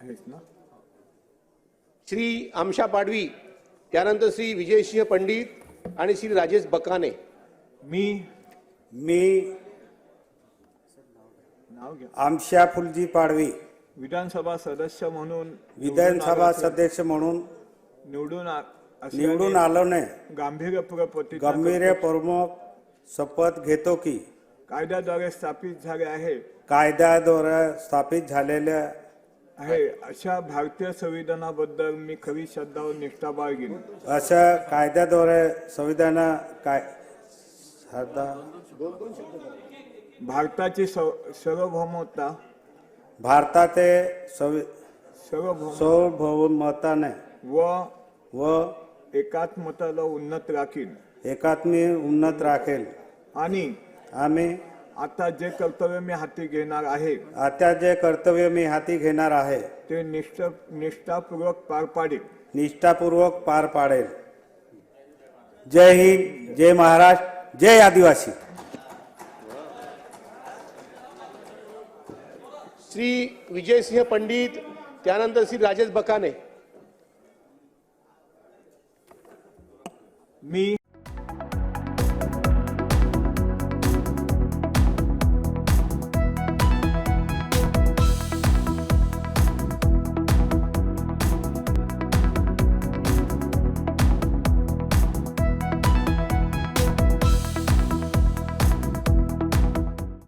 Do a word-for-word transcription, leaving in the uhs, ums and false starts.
आहेस ना? श्री आमशा पाडवी, त्यानंतर श्री विजयसिंह पंडित आणि श्री राजेश बकाने। मी मी नाव घ्या। आमशा फुलजी पाडवी विधानसभा सदस्य म्हणून विधानसभा सदस्य म्हणून निवडून आ- असल्याने निवडून आलोने गांभीर्यपूर्वक प्रतिज्ञा गंभीर करतो. प्रमुख शपथ घेतो की कायद्याद्वारे स्थापित झाले आहे कायद्याद्वारे स्थापित झालेल्या आहे अशा भारतीय संविधानाबद्दल मी खरी श्रद्धा व निष्ठा बाळगीन। अशा कायद्याद्वारे संविधान काय श्रद्धा भारताची सव- सार्वभौमता भारताचे संवि- सार्वभौम सार्वभौमताने व व एकात्मताला उन्नत राखीन एकात्मी उन्नत राखेल आणि आम्ही आता जे कर्तव्य मी हाती घेणार आहे आता जे कर्तव्य मी हाती घेणार आहे ते निष्ठ निष्ठापूर्वक पार पाडेल। निष्ठापूर्वक पार पाडेल। जय हिंद, जय महाराष्ट्र, जय आदिवासी। श्री विजयसिंह पंडित, त्यानंतर श्री राजेश बकाने। मी